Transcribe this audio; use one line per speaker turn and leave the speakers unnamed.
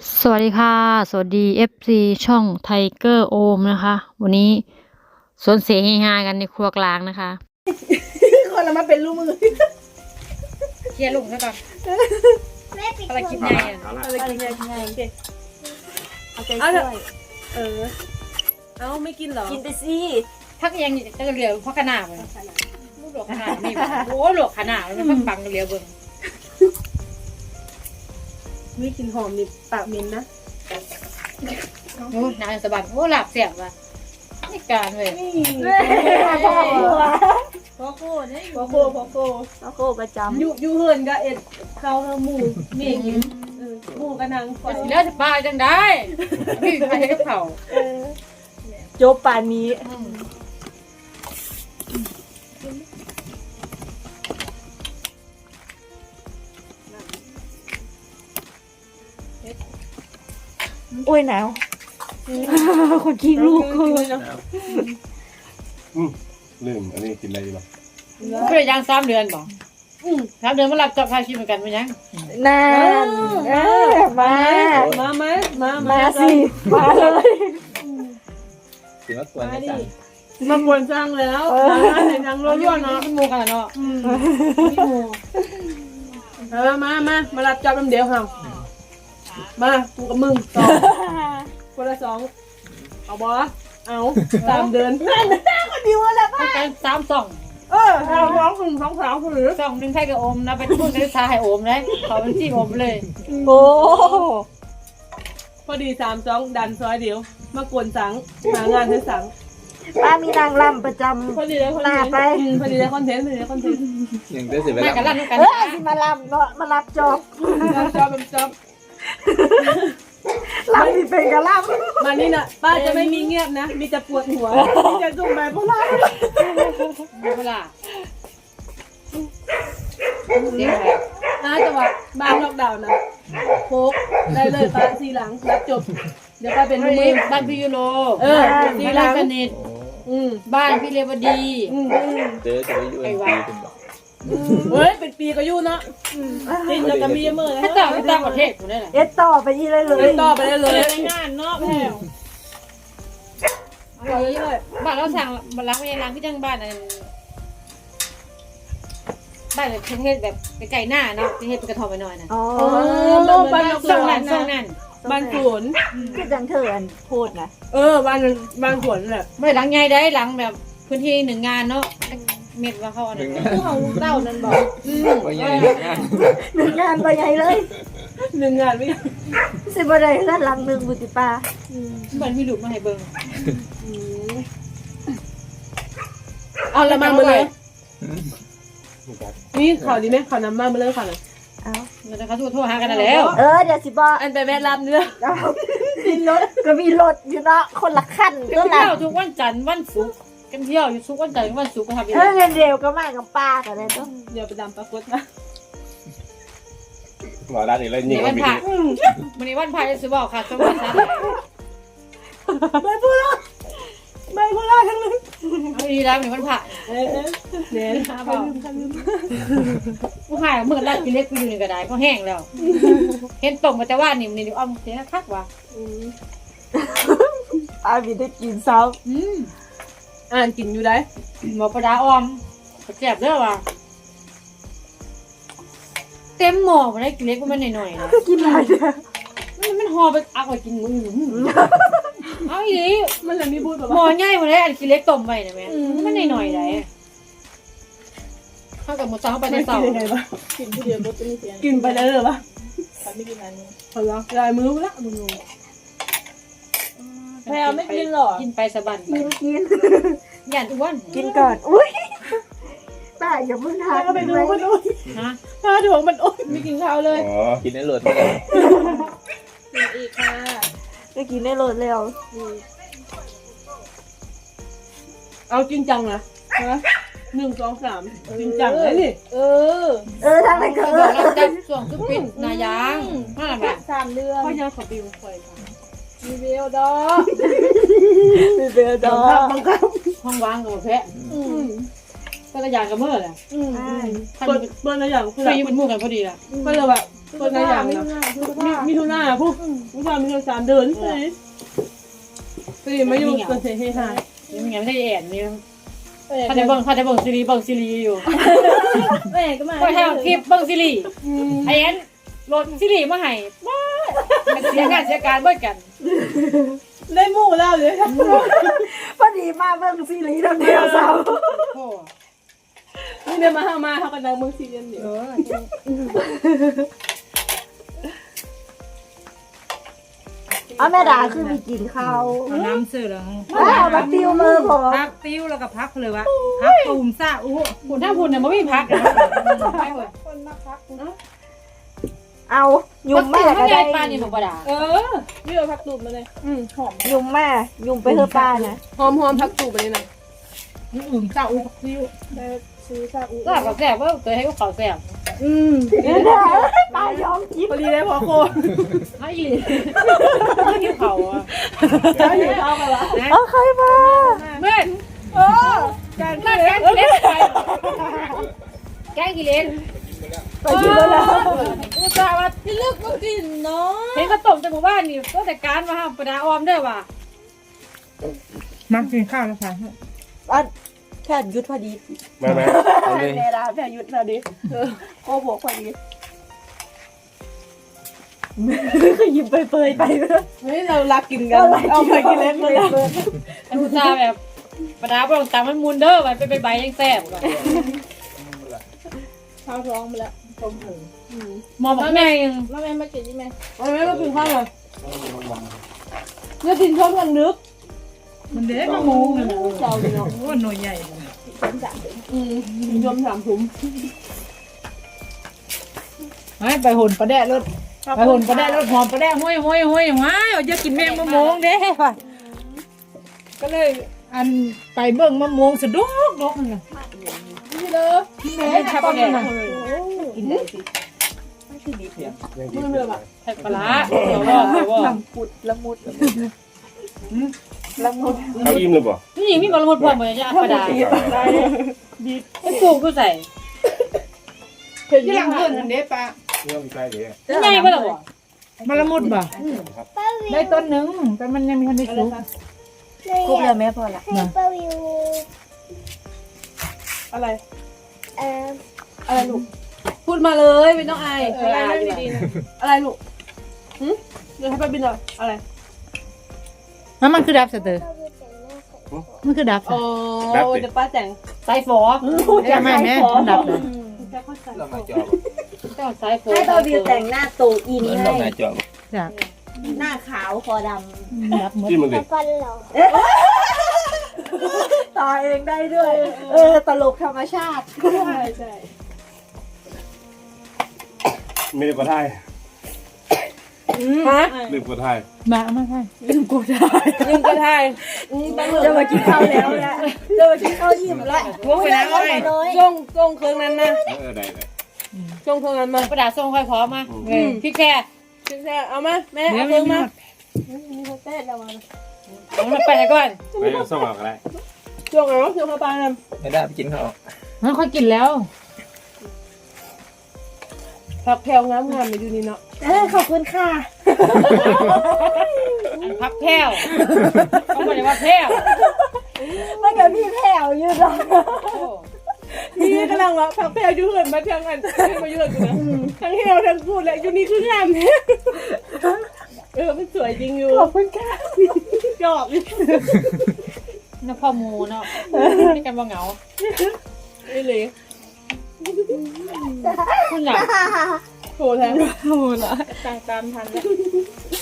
สวัสดีค่ะสวัสดี FC ช่องไทเกอร์โอมนะคะ วันนี้สวนเสเฮฮากันในครัวกลางนะคะ
คนละมาเป็นลูกมือ
เคลียร์ลุงซะก่อนอะไรกินไงอ่ะ
อะไรกินไงกินไงโอเค
เอาใจช่วย
เอาไม่กินเหรอ
กินไปสิ
พักยังจะเหลือเพราะขนาดเลยลูกหลวกขนาดนี่โอ้หลวกขนาดมันพักบังเหลือเบิ่ง
ไม่กินหอมนี่ปากเหม็นนะ
โอ้นานสะบัดโอ้หลับเสียบว่ะนี่การเลย
พ่อโก้เนี่ยพ่อโก้
เอาโคประจำ
ยูเฮิร์นกับเอ็ดข้าวหมูเมียกินหมูกระนังไฟ
แล้วจะปลาจังได้พี่ใครให้เขา
จบป่านนี้โอ้ยหนาวคนขี้ลูก
กินเลยเนาะ
ลืมอันนี้กินอะไรดีบ้าง
เพื่อย่าง3 เดือนบอก3 เดือนมาหลับจับพาชีเหมือนกันมั้ยยัง
นั่นมา
มา
สิมาเลย
ถือว่าควรจะสั่ง
มาบวนสร้างแล้วในทางรั่วๆเนาะ
มันมูกันเนาะ
มารับจับน้ำเดียวค่ะมากูกับมึงต่อคนละ2เอาบอเอา3 เดือนคนเดียวแหละ
ต้องการ3 2
เอา2 2 3หรือ
2 1ใครกับโอมนะไปพูดกันซาให้โอมเลยเขาเป็นที่โอมเลย
โอ้
พอดี3 2ดันซอยเดียวมากวนสังหางานให้สัง
ป้ามีนางรำประจำ
พอดีเลยคอนเทนต์พอดีเลยคอนเทนต์
ยังได้เสียเว
มา
ลา
กันลั่นกัน
สิมาลำเนาะมารับจอบ
จับ
ลำที่เป็นกะล
มานี่นะป้าจะไม่มีเงียบนะมีแต่ปวดหัวมีแต่จุ่มแบบพวกเรา
เวลาเสียงอะไร
นะจังหวะบ้านล็อกดาวน์นะโคกได้เลยป้าทีหลังรับจบเดี๋ยวป้าเป็นมือ
บ้านพี่ยูโร
ที
บ้าน
หลัง
สนิทบ้านพี่เลวดี
เจอจะไปยูเอ็นซีเป็นแบบ
เฮ้ยเป็นปีก็อยู่เนาะติดแล้วก็มีเมื่อ
ถ้าต่างประเทศกูได้แหละ
ำเอ็ดต่อไปอีเลยเลย
ต่อไปได้เลย
งานเนาะแพงบ้านเราสั่งบ้านล้างไม่ได้ล้างพี่จังบ้านนั่นบ้านแบบประเทศแบบไกลหน้าเนาะประเทศเป็นกระทอมไปหน่อยนะ
อ๋อ
บ้านล็อก
ส่
ดาง ว
นั่น
น์
ส่งนั่น
บ้านสวน
คือจังเถินพูดนะ
บ้านสวนแหละ
ไม่ได้หลังใหญ่ได้หลังแบบพื้นที่1 งานเนาะเม็ดว่าเขาอันนั้น
เขาเต้านั่นบอก
ว่าใหญ่งาน
หนึ่งงานไปใหญ่เลย
1 งานไม่
สิบ่ได้เฮือนหลังหนึ่งบุติป้า
มันมีลูกมาให้เบิ่ง
เอาละมาเลยนี่ขอดีไหมขอนำมาเลยค่ะ
เอา
เราจะเขาโทรหากันแล้ว
เดี๋ยวสิบอก
อันไปแวะรับเนื้อ
เอามีรถก็มีรถอยู่เนาะคนละขั้น
กัน
ก็
เที่
ละ
ยวทุกวันจันทร์วันศุกร์กันเที่ยวอยู่ทุกวันจันทร์วันศุกร์ก็ทำอย่าง
เงิ
นี้
นเร็วก็มากับป้ากันเลยต้อง
เดี๋ยวไปดำปรากฏนะ
หมอร้านอีกแล้วยิง
วั
มัน นบิ
พระ
น
วันนี้วันพระจะซื้อบอกค่ะสวัสดีครับ
ใบพูล่าทั้งนั้น
เอาดีแล้ววันนี้วันพระ
เน้น
ผู้หายเมื่อไรกินเล็กกูอยู่ในกระไดก็แห้งแล้ว เห็นตรงมาแต่ว่านี่มันนี่อ้อมเสียคักว่ะ
ป้ามีได้กินซ้
อ่านกินอยู่ได้
หมอประดาอ้อมแซ่บเด้อว่ะเต็มหม้อมาได้กินเล็กก็มันหน่อยๆนะ
ำกินอะไรเนี่ย
มันห่อไปเอาไปกินมื้อเอาอีหลี
มันเลยมีพูดแบบ
หม้อ
ว่า
ใหญ่มาได้อันกินเล็กต้มไว้นะแม่มันหน่อยๆได้เข้ากับหมูสับเข้าไปใน
ไม่
เตา
กินยังไงวะกินผู้เดียวรสจะไม่เสียกินไปได้เลยปะไม่กินอันนี้พอแล้วลายมือละมึงแพรไม่กินหรอ
กินไปสะบัน
กิน
ย่านทุกวัน
กินก่อนอุ้ยป้าอย่าเพิ่งทาน
ไปดูมันโอ๊ย
ฮะ
ถ้าถ่วงมันโอ๊ยไม่กินข้าวเลย
อ๋อกินได้รสไม่ได้
อีกค่ะ
จะกินได้รสเร็ว
เอาจริงจังนะ1 2 3จริงจังเลยนี่
ทางไหนก็
บอกเราจับส่วงคือปิดนายางมาละแบบ
3 เดือนพ่อยาขอบิวคอยมีเบลดอ
มีเบลดอ
บังคับ
ห้องวางกับแพะก็ระยางกับเมื่อแหละ
ใช่
ท่าน
เปิดอะไรอย่างคือ
เคยอยู่เป็นหมู่กันพอดีล่ะ
ก็เลยแบบคนละอย่างนะมีทุน่าพวกทุกคนมี3 เดือนใช่สิมาอยู่สวนเสรีหา
ยังไงไม่ได้แอนนี่ถ้าได้เบิ่งซีรีส์อยู่
แม่ก็มา
ก็ให้คลิปเบิ่งซีรีส์ไอ้แอนโหลดซีรีส์มาให้ว้าเสียงานเสียการเบิ่งกัน
ได้หมู่แล้วเลย
พอดีมาเบิ่งซีรีส์เดียวสาว
โอ้
นี่เดินมาเขากันดังเมืองซีเรียนเดียว
เอาแม่ดาคือมีกินข้าว
เอาน้ำซื้อแล้ว
ว้าวมาติวมือผม
พักติ้วแล้วก็พักเลยวะพักตูมซ่าอู้
คุณถ้าคุณเนี่ยไม่มีพัก
เอายุ่มแม่ก็
ไม่
ได้
ได้ปานนี่หนูประดา
นี่เราพักตูบมาเลยหอม
ยุ่มแม่ยุ่มไปเพื่อป้านะ
หอมพักตูบมาเลยนะ
อุ่มซ่าอู้พักติ้ว
ซื้อซาอุ
ก็กับแซ่บว่าเคยให้เขาแซ่บ
เดี๋ยวป้ายอมกิน
พอดีได้พอโค
ให้อีไม่กินเขาอ่ะ
แล้วอยู่ข้าวกันละ
เอาใครมา
แม่การแกงกิเลสไปแกงกิเลส
ไปกินแล้ว
อุตส่าห์ว่าที่เลือกก็กินเนาะเห็นเขาต้มจากหมู่บ้านนี่ก็แต่การมาห้ามประดาออมได้ว่ะ
มากินข้าวแล้วค่ะ
อันแค่ยุดพอดี
มาเอาเลย
แม่ดาแค่ยุดพอดีโอ้โหพอดีก็ยิ้มเปยๆไปเลย
เฮ้ยเรารักกินกันเอาไปกินเล็กเลย
อุตส่าห์แบบประดาบ่ต้องตามมันมูนเด้อไปใบยังแซ่บว่ะ
ข้าวท้องไปแล้ว
มองบอกแม่ยัง
แม่มากินที่แม่ไม่มากินข้าวเลยเนื้อดินชอบกันนึก
มันเด็กมะม่วงเลย
เราดีเนาะ
โอ้หน่วยใหญ่
ยอม3 ถุง
ไปหุ่นปลาแดะรถไปหุ่นปลาแดะรถหอมปลาแดะห้อยว้ายจะกินแมงมะม่วงเด้ป่ะก็เลยอันไปเบิ่งมะม่วงสะดุกดกนั่นน่ะ
นี่เลย
แม่ทับเนี่ย
กินได้สิ
มือเรือแบบ
แซ่บปลาเดี๋ยวว่า
ลำปุดละมุดละมุด
เอาอิ่มเลยบ่
นี่ยังมีบอลลูนพร้อมเหมือนจะประดาไอ้ปลูกก็ใส่
ที่หลังเพิ่นอันเด้ป่ะ
เรื่องใกล้เดี๋ยว
ใหญ่ป่ะล่ะบ่
มะละมุดบ่ได้ต้นหนึ่งแต่มันยังไม่ทันได้สุก
ครบแล้วแม่พอละ
อะไรอะไรลูกพูดมาเลยไม่ต้องอายอะไรดีๆนะอะไรลูกเดี๋ยวให้ไปบินหน่อยอะไร
แล้วมันคือดับสเตอร์มันคือดับ
โอ้จะป้าแจง
สายฝอ
จะไม่แม่มันดับเลย
จะเข้าใจ
เรามาจอบ
ต้องสายฝอ
ให้เบาวิวแต่งหน้าตูอิน
เหมือน
ให้
เรามาจอบ
จ้ะ
หน้าขาวคอด
ดับหมด
ที่มันเลย
ำต่อเองได้ด้วย ตลกธรรมชาติ
ใช่
ไม่ได้กดไทย
ฮะ
ลืมกดไทย
มาเอามาให้
ยิงกระทายต้อง
จะมากินข้าวแล้วนะจะมากินข้าวอิ่มแล้วโอ้ยน้อยน้อย
จ้องเครื่องนั้นนะ
ได้
จ้องเครื่องนั้นมา
ประดาส่งค่อยพร้อมมาพี่แค่
ถึงแท้เอามาแม่
เดี๋ย
เอา
ว
เครื่อง
มี
มา
เต้นแล้วมา
เอามันไปก่อน
ไปส่งเอาก็ได้
จ้องอะไรวะจ้องข้าวปลาเนี่ย
ไม่ได้ไปกินข้าว
มันค่อยกินแล้ว
ผักแพรวงามไม่ดูนี่เนาะ
ขอบคุณค่ะ
อันพักแพ้วเขาบอกเลยว่าแพ้ว
ไม่กับพี่แผ่วยืดหรอ
นี่กำลังว่าผักแพรวอยู่เหินมาทั้งอันมาเยอะกูนะทั้งเฮลทั้งพูดและอยู่นี่คืองามเนี่ยมันสวยจริงอยู่
ขอบคุณค่ะ
ชอบ
น้ำพ่อมูเนาะนี่กันว่าเหงา
นี่เลย
คุณอยาก
โหแท้โหละตามทันแล้ว